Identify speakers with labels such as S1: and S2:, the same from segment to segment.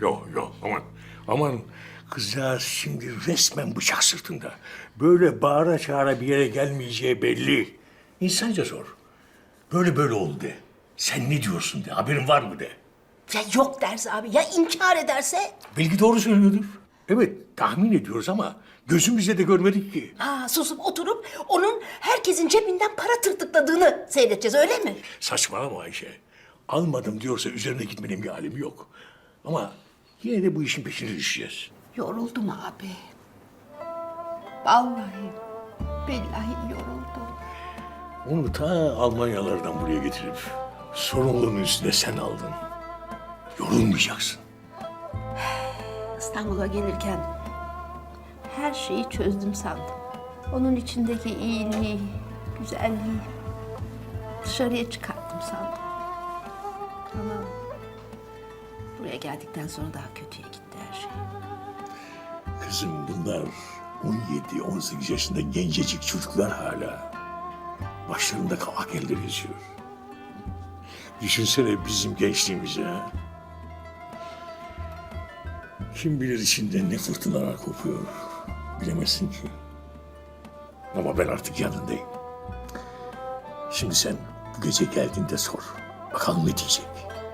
S1: Yok yok aman. Aman kızcağız şimdi resmen bıçak sırtında. Böyle bağıra çağıra bir yere gelmeyeceği belli. İnsanca sor. Böyle oldu de. Sen ne diyorsun de. Haberin var mı de.
S2: Ya yok derse abi, ya inkar ederse?
S1: Belki doğru söylüyordur. Evet tahmin ediyoruz ama gözümüzle de görmedik ki.
S2: Ha, susup oturup onun herkesin cebinden para tırtıkladığını seyredeceğiz, öyle mi?
S1: Saçmalama Ayşe. Almadım diyorsa üzerine gitmenin bir alemi yok. Ama yine de bu işin peşine düşeceğiz.
S2: Yoruldum abi. Vallahi, billahi yoruldum.
S1: Onu ta Almanyalardan buraya getirip sorumluluğun üstüne sen aldın. Yorulmayacaksın.
S2: İstanbul'a gelirken her şeyi çözdüm sandım. Onun içindeki iyiliği, güzelliği dışarıya çıkarttım sandım. Ama buraya geldikten sonra daha kötüye gitti her şey.
S1: Kızım bunlar 17-18 yaşında gencecik çocuklar hala. Başlarında kavak eller yazıyor. Düşünsene bizim gençliğimize. Ha? Kim bilir içinde ne fırtınalar kopuyor. Bilemezsin ki. Ama ben artık yanındayım. Şimdi sen bu gece geldiğinde sor. Bakalım ne diyecek.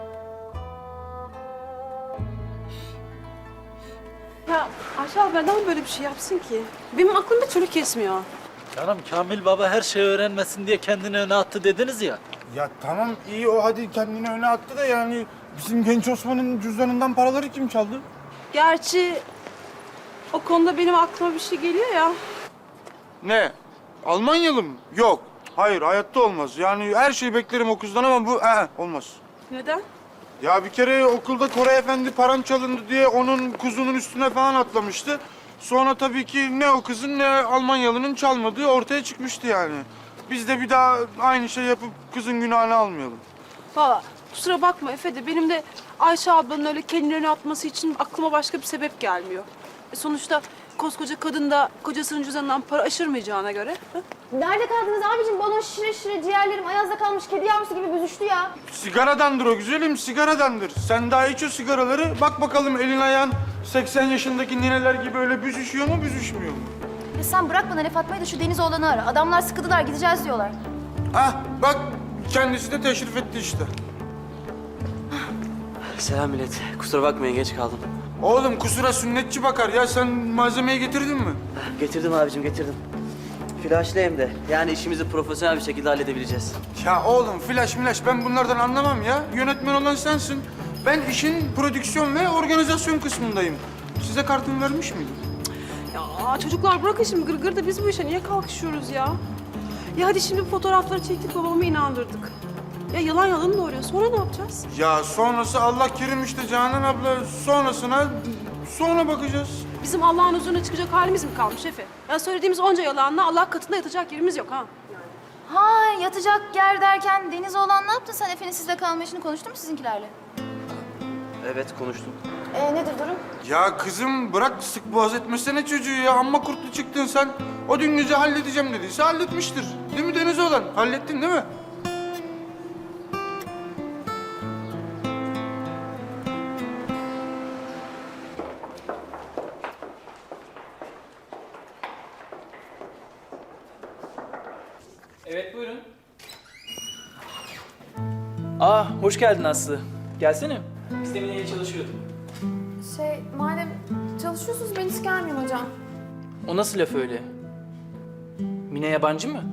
S3: Ya Ayşe abla neden böyle bir şey yapsın ki? Benim aklım bir türlü kesmiyor.
S4: Canım Kamil Baba her şeyi öğrenmesin diye kendini öne attı dediniz ya.
S5: Ya tamam iyi o hadi kendini öne attı da yani bizim genç Osman'ın cüzdanından paraları kim çaldı?
S3: Gerçi o konuda benim aklıma bir şey geliyor ya.
S5: Ne? Almanyalı mı? Yok. Hayır hayatta olmaz. Yani her şeyi beklerim o kızdan ama bu olmaz.
S3: Neden?
S5: Ya bir kere okulda Koray Efendi param çalındı diye onun kuzunun üstüne falan atlamıştı. Sonra tabii ki ne o kızın ne Almanyalı'nın çalmadığı ortaya çıkmıştı yani. Biz de bir daha aynı şey yapıp kızın günahını almayalım.
S3: Valla kusura bakma Efe de benim de Ayşe ablanın öyle kendini öne atması için aklıma başka bir sebep gelmiyor. Sonuçta koskoca kadın da kocasının cüzdanından para aşırmayacağına göre. Ha?
S6: Nerede kaldınız abicim? Balon şişire şişire ciğerlerim ayazda kalmış kedi yavrusu gibi büzüştü ya.
S5: Sigaradandır o güzelim, sigaradandır. Sen daha iç o sigaraları, bak bakalım elin ayağın 80 yaşındaki nineler gibi öyle büzüşüyor mu, büzüşmüyor mu?
S6: Ya sen bırak bana laf atmayı da şu Deniz oğlanı ara. Adamlar sıkıdılar, gideceğiz diyorlar.
S5: Bak kendisi de teşrif etti işte.
S7: Selam millet. Kusura bakmayın geç kaldım.
S5: Oğlum kusura sünnetçi bakar ya, sen malzemeyi getirdin mi?
S7: Getirdim abicim getirdim. Flaşlı hem de. Yani işimizi profesyonel bir şekilde halledebileceğiz.
S5: Ya oğlum flash ben bunlardan anlamam ya. Yönetmen olan sensin. Ben işin prodüksiyon ve organizasyon kısmındayım. Size kartımı vermiş miydim?
S3: Ya çocuklar bırakın şimdi gırgır da biz bu işe niye kalkışıyoruz ya? Ya hadi şimdi fotoğrafları çektik babamı inandırdık. Ya yalan doğuruyor. Sonra ne yapacağız?
S5: Ya sonrası Allah kerim işte Canan abla. Sonrasına sonra bakacağız.
S3: Bizim Allah'ın huzuruna çıkacak halimiz mi kalmış Efe? Ya söylediğimiz onca yalanla Allah katında yatacak yerimiz yok ha.
S6: Ha yatacak yer derken Deniz oğlan ne yaptın sen? Efe'nin sizde kalma işini konuştun mu sizinkilerle?
S7: Evet konuştum.
S6: Nedir durum?
S5: Ya kızım bırak sık boğaz etmesene çocuğu ya. Amma kurtlu çıktın sen. O dün gece halledeceğim dediyse halletmiştir. Değil mi Deniz olan? Hallettin değil mi?
S8: Evet buyurun. Hoş geldin Aslı. Gelsene. Biz de Mine'yle çalışıyorduk.
S6: Madem çalışıyorsunuz ben hiç gelmeyeyim hocam.
S8: O nasıl laf öyle? Mine yabancı mı?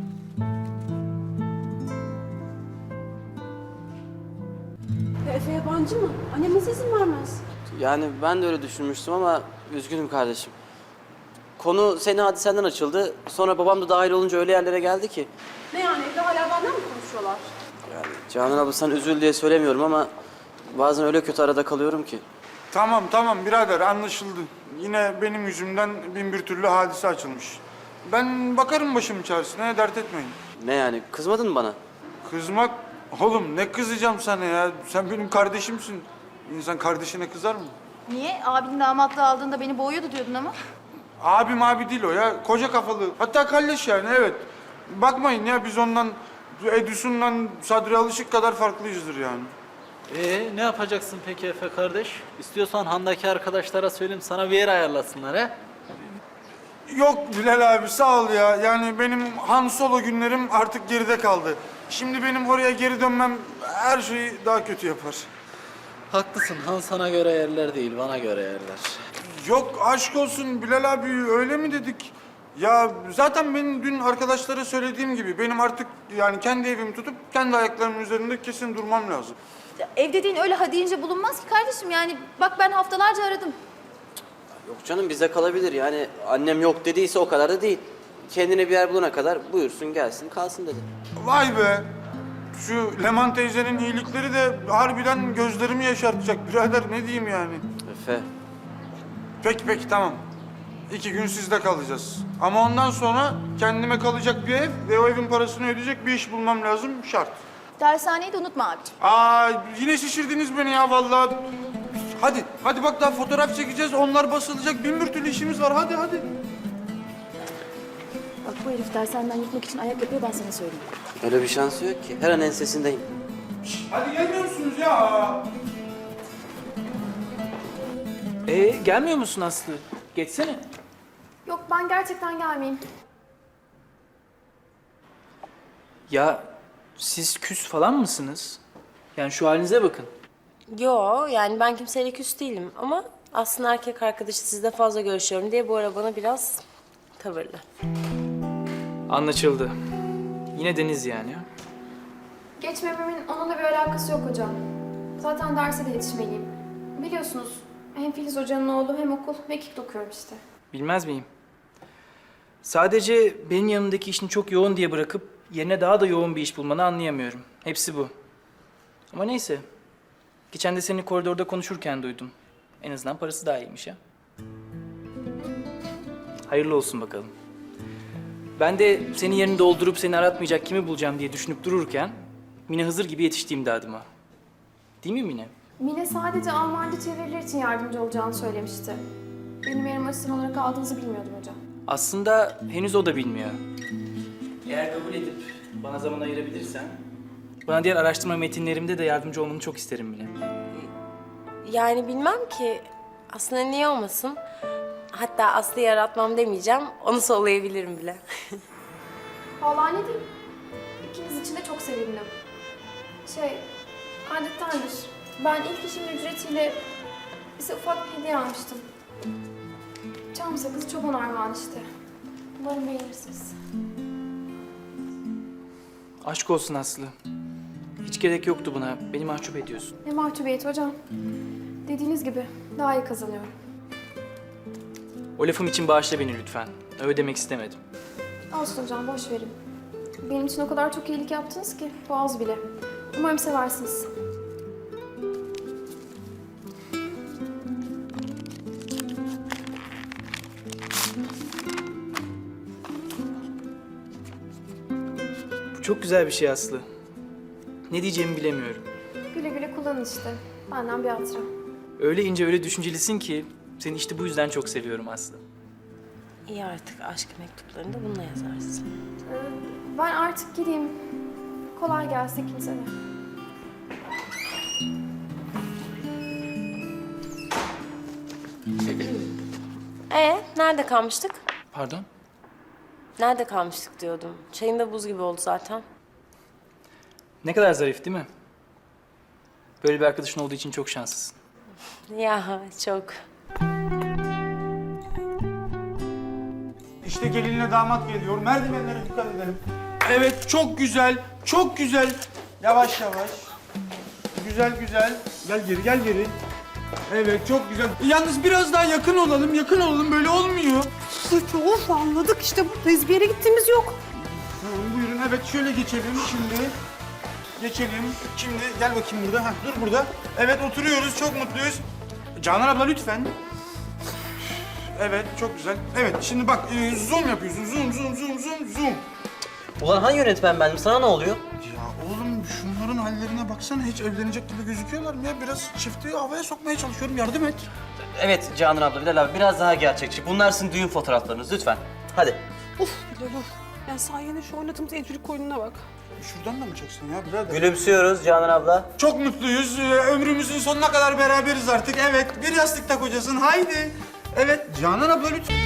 S3: Ya Efe yabancı mı? Annem nasıl izin vermez?
S7: Yani ben de öyle düşünmüştüm ama üzgünüm kardeşim. Konu seni hadisenden açıldı. Sonra babam da dahil olunca öyle yerlere geldi ki.
S3: Ne yani evde hala benden mi konuşuyorlar?
S7: Yani Canan abla sen üzül diye söylemiyorum ama bazen öyle kötü arada kalıyorum ki.
S5: Tamam birader anlaşıldı. Yine benim yüzümden bin bir türlü hadise açılmış. Ben bakarım başımın çaresine, dert etmeyin.
S7: Ne yani kızmadın mı bana?
S5: Kızmak? Oğlum ne kızacağım sana ya? Sen benim kardeşimsin. İnsan kardeşine kızar mı?
S6: Niye? Abinin damatlığı aldığında beni boğuyordu diyordun ama.
S5: Abim abi değil o ya. Koca kafalı. Hatta kalleş yani evet. Bakmayın ya biz ondan Edison'dan Sadri Alışık kadar farklıyızdır yani.
S4: Ne yapacaksın peki Efe kardeş? İstiyorsan handaki arkadaşlara söyleyeyim sana bir yer ayarlasınlar he?
S5: Yok Bilal abi sağ ol ya. Yani benim Han Solo günlerim artık geride kaldı. Şimdi benim oraya geri dönmem her şeyi daha kötü yapar.
S4: Haklısın, Han sana göre yerler değil, bana göre yerler.
S5: Yok aşk olsun Bilal abi öyle mi dedik? Ya zaten benim dün arkadaşlara söylediğim gibi benim artık yani kendi evimi tutup kendi ayaklarımın üzerinde kesin durmam lazım.
S6: Ev dediğin öyle ha deyince bulunmaz ki kardeşim. Yani bak ben haftalarca aradım.
S7: Yok canım bize kalabilir yani annem yok dediyse o kadar da değil. Kendine bir yer bulana kadar buyursun gelsin kalsın dedi.
S5: Vay be! Şu Leman teyzenin iyilikleri de harbiden gözlerimi yaşartacak birader ne diyeyim yani.
S7: Efe.
S5: Peki tamam. 2 gün sizde kalacağız. Ama ondan sonra kendime kalacak bir ev ve o evin parasını ödeyecek bir iş bulmam lazım şart.
S6: Dershaneyi de unutma abiciğim.
S5: Aa yine şişirdiniz beni ya vallahi. Hadi bak daha fotoğraf çekeceğiz onlar basılacak bin bir türlü işimiz var hadi.
S6: Bak bu herif dershaneden yırtmak için ayak yapıyor ben sana söyleyeyim.
S7: Öyle bir şansı yok ki. Her an ensesindeyim.
S5: Hadi gelmiyor musunuz ya?
S8: Gelmiyor musun Aslı? Geçsene.
S9: Yok ben gerçekten gelmeyeyim.
S8: Ya siz küs falan mısınız? Yani şu halinize bakın.
S10: Yo yani ben kimseyle küs değilim ama aslında erkek arkadaşı sizle fazla görüşüyorum diye bu ara bana biraz tavırlı.
S8: Anlaşıldı. Yine Deniz yani.
S9: Geçmememin onunla bir alakası yok hocam. Zaten derse de yetişmeliyim. Biliyorsunuz hem Filiz hocanın oğlu hem okul mekik okuyorum işte.
S8: Bilmez miyim? Sadece benim yanımdaki işini çok yoğun diye bırakıp yerine daha da yoğun bir iş bulmanı anlayamıyorum. Hepsi bu. Ama neyse. Geçen de seni koridorda konuşurken duydum. En azından parası daha iyiymiş ya. Hayırlı olsun bakalım. Ben de senin yerini doldurup seni aratmayacak kimi bulacağım diye düşünüp dururken Mine Hızır gibi yetişti imdadıma. Değil mi Mine?
S9: Mine sadece Almanca çeviriler için yardımcı olacağını söylemişti. Benim yerim asistan olarak aldığınızı bilmiyordum hocam.
S8: Aslında henüz o da bilmiyor. Eğer kabul edip bana zaman ayırabilirsen, bana diğer araştırma metinlerimde de yardımcı olmanı çok isterim bile.
S10: Yani bilmem ki aslında niye olmasın. Hatta Aslı'yı yaratmam demeyeceğim, onu sollayabilirim bile.
S9: Vallahi ne diyeyim? İkiniz için de çok sevindim. Adettendir. Ben ilk işimin ücretiyle size ufak bir hediye almıştım. Çam sakızı çoban armağan işte. Umarım beğenirsiniz.
S8: Aşk olsun Aslı. Hiç gerek yoktu buna. Beni mahcup ediyorsun.
S9: Ne mahcubiyeti hocam. Dediğiniz gibi daha iyi kazanıyorum.
S8: O lafım için bağışla beni lütfen. Öyle demek istemedim.
S9: Olsun hocam boş verin. Benim için o kadar çok iyilik yaptınız ki boğaz bile. Umarım seversiniz.
S8: Bu çok güzel bir şey Aslı. Ne diyeceğimi bilemiyorum.
S9: Güle güle kullanın işte. Benden bir hatıra.
S8: Öyle ince, öyle düşüncelisin ki seni işte bu yüzden çok seviyorum Aslı.
S10: İyi artık aşk mektuplarını da bununla yazarsın.
S9: Ben artık gideyim. Kolay gelsin ikinize de.
S10: Nerede kalmıştık?
S8: Pardon?
S10: Nerede kalmıştık diyordum. Çayın da buz gibi oldu zaten.
S8: Ne kadar zarif değil mi? Böyle bir arkadaşın olduğu için çok şanslısın.
S10: Ya çok.
S5: İşte gelinle damat geliyor. Merdivenlere dikkat edelim. Evet çok güzel. Yavaş. Güzel. Gel geri. Evet çok güzel. Yalnız biraz daha yakın olalım. Böyle olmuyor.
S2: Of anladık işte buradayız. Bir yere gittiğimiz yok.
S5: Tamam buyurun evet şöyle geçelim şimdi. Şimdi gel bakayım burada. Dur burada. Evet oturuyoruz çok mutluyuz. Canan abla lütfen. Evet çok güzel. Evet şimdi bak zoom yapıyorsun. Zoom.
S7: Ulan hangi yönetmen bendim? Sana ne oluyor?
S5: Ya oğlum şunların hallerine baksana hiç evlenecek gibi gözüküyorlar mı ya? Biraz çifti havaya sokmaya çalışıyorum yardım et.
S7: Evet Canan abla, Bilal abi biraz daha gerçekçi. Bunlar sizin düğün fotoğraflarınız lütfen. Hadi.
S3: Of Bilal of. Ya sayende şu oynadığımız evcilik oyununa bak.
S5: Şuradan da mı çeksin ya birader?
S7: Gülümsüyoruz Canan abla.
S5: Çok mutluyuz. Ömrümüzün sonuna kadar beraberiz artık. Evet, bir yastıkta kocasın. Haydi. Evet, Canan abla lütfen.